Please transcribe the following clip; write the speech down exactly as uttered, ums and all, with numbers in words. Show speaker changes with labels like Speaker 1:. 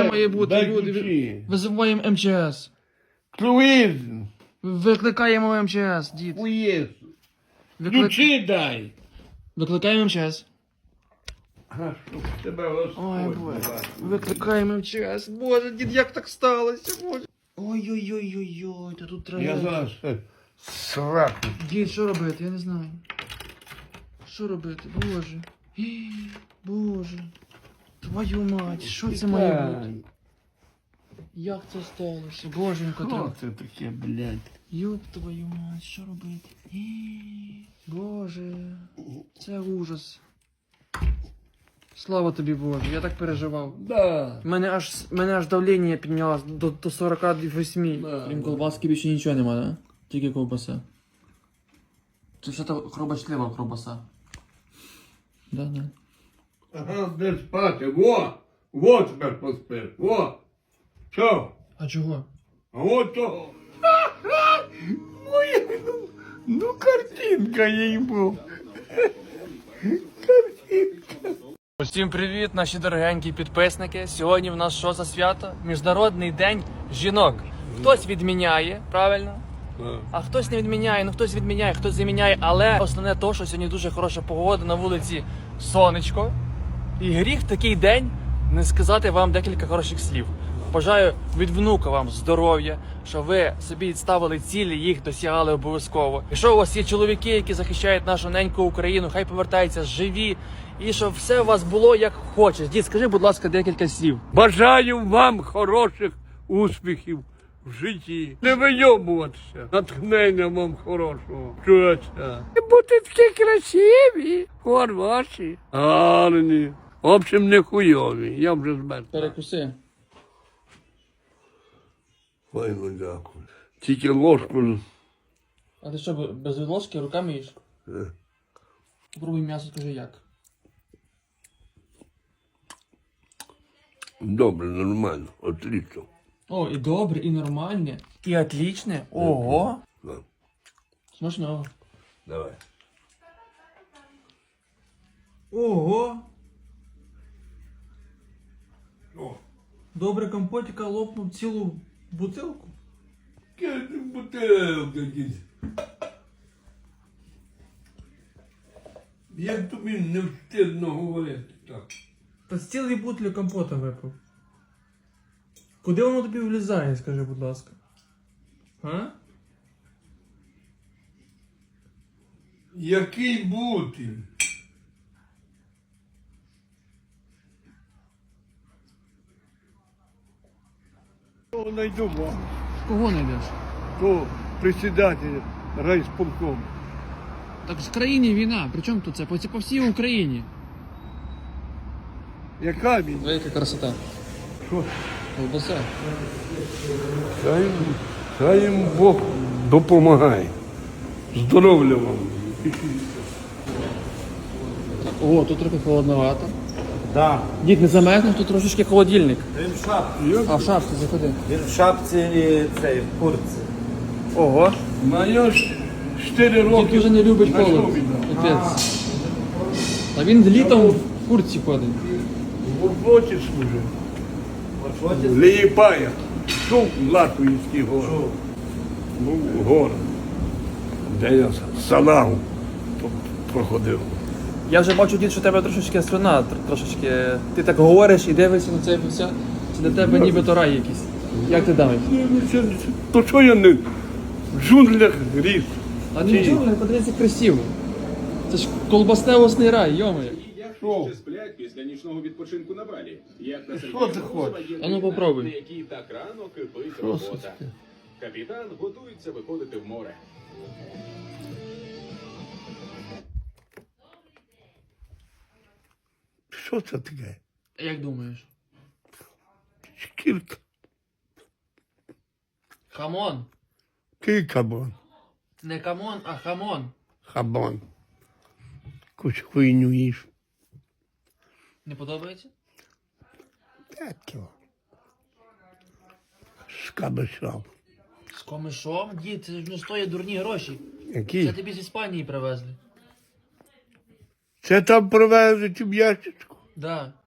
Speaker 1: має бути,
Speaker 2: дай
Speaker 1: люди.
Speaker 2: ключі.
Speaker 1: Визиваємо ем че ес.
Speaker 2: Круїз.
Speaker 1: Викликаємо ем че ес, дід.
Speaker 2: Хуєс.
Speaker 1: Виклик...
Speaker 2: Ключі дай.
Speaker 1: Викликаємо ем че ес.
Speaker 2: А щоб тебе Господь.
Speaker 1: Ой, Боже.
Speaker 2: бачив.
Speaker 1: Викликаємо ем че ес. Боже, дід, як так сталося, Боже. Ой-ой-ой-ой-ой, та тут треба...
Speaker 2: Я зараз е, сраку.
Speaker 1: Дід, що робити? Я не знаю. Що робити? Боже. Ій, Боже. Твою мать, що це має бути? Як це сталося? Боженько,
Speaker 2: Що
Speaker 1: треба.
Speaker 2: це таке, блядь?
Speaker 1: Ёб твою мать, що робити? Ій, Боже, це ужас. Слава тобі, Боже, я так переживав.
Speaker 2: Да.
Speaker 1: Мене аж, мене аж давлення піднялось до, до сорок восьми.
Speaker 2: Да.
Speaker 1: Крім колбаски більше нічого нема, да? Тільки ковбаса. Це все то хробачлива ковбаса. Да, да.
Speaker 2: Ага, де спати? Во! Во тепер поспиш. Во! Що?
Speaker 1: А чого?
Speaker 2: А от того. Моя, ну, ну картинка їй був.
Speaker 1: Всім привіт, наші дорогенькі підписники. Сьогодні в нас що за свято? Міжнародний день жінок. Хтось відміняє, правильно? А хтось не відміняє, ну хтось відміняє, хтось заміняє. Але основне то, що сьогодні дуже хороша погода, на вулиці сонечко. І гріх в такий день не сказати вам декілька хороших слів. Бажаю від внука вам здоров'я, щоб ви собі ставили цілі, їх досягали обов'язково. Якщо у вас є чоловіки, які захищають нашу неньку Україну, хай повертаються живі. І щоб все у вас було як хочеш. Дід, скажи, будь ласка, декілька слів.
Speaker 2: Бажаю вам хороших успіхів в житті. Не вийобуватися. Натхнення вам хорошого. Чується. Бути такі красиві, хороші, гарні. В общем, не хуйові. Я вже змерз.
Speaker 1: Перекуси.
Speaker 2: Ой, ну дякую. Тільки ложку.
Speaker 1: А ти що, без ложки руками їш?
Speaker 2: Е.
Speaker 1: Попробуй м'ясо, скажи як.
Speaker 2: Добре, нормально, отлично.
Speaker 1: О, і добре, і нормальне, і отлічне. Ого.
Speaker 2: Да.
Speaker 1: Смачного.
Speaker 2: Давай.
Speaker 1: Ого.
Speaker 2: О,
Speaker 1: Добре компотика лопнув цілу бутилку.
Speaker 2: яка бутилка, дід. Як тобі не встидно говорити так?
Speaker 1: Та з цілої бутлі компота випив. Куди воно тобі влізає, скажи, будь ласка? А?
Speaker 2: Який бути? Кого найду вам?
Speaker 1: Кого знайдеш?
Speaker 2: То председатель райсполком.
Speaker 1: Так в країні війна, при чому тут це? По, по всій Україні.
Speaker 2: Яка він?
Speaker 1: Велика красота.
Speaker 2: Що?
Speaker 1: Колбаса.
Speaker 2: Хай, хай їм Бог допомагає. Здоров'я вам.
Speaker 1: О, тут трохи холодновато.
Speaker 3: Да.
Speaker 1: Дід, не замерзнеш, тут трошечки холодильник.
Speaker 3: Він в шапці.
Speaker 1: А в шапці заходи.
Speaker 3: Він в шапці і цей, в куртці.
Speaker 1: Ого.
Speaker 2: Маю ж чотири
Speaker 1: Дід
Speaker 2: роки.
Speaker 1: дуже не любить
Speaker 2: на
Speaker 1: холод.
Speaker 2: що віддав?
Speaker 1: Капець. А він літом в куртці ходить.
Speaker 2: В роботі служив.
Speaker 3: От от
Speaker 2: Лієпая. Чув Латвійський город.
Speaker 3: Чув.
Speaker 2: Був город. Де я салагу проходив.
Speaker 1: Я вже бачу, дід, що у тебе трошечки слюна, тр- трошечки. Ти так говориш і дивишся на це все. Це для тебе нібито рай якийсь. Як ти дамиш?
Speaker 2: Ну, це- це- То що я не в джунглях ріс?
Speaker 1: А не чого, подивіться красиво. Це ж колбасневосний рай, йомає.
Speaker 2: Що?
Speaker 4: Ще сплять після нічного відпочинку на Балі. Як на
Speaker 2: Що ти хочеш?
Speaker 1: А ну, попробуй.
Speaker 4: на якій так рано кипить
Speaker 2: Що це
Speaker 4: робота.
Speaker 2: таке?
Speaker 4: Капітан готується виходити в море.
Speaker 2: Що це таке?
Speaker 1: Як думаєш?
Speaker 2: Шкірка.
Speaker 1: Хамон.
Speaker 2: Який кабан?
Speaker 1: Не камон, а хамон.
Speaker 2: Хабан. Якусь хуйню їш.
Speaker 1: Не подобається?
Speaker 2: Так його. З кабачом.
Speaker 1: З комишом? Дід, це ж не стоїть дурні гроші. Це
Speaker 2: Які?
Speaker 1: тобі з Іспанії привезли.
Speaker 2: Це там привезуть в ящичку.
Speaker 1: Да.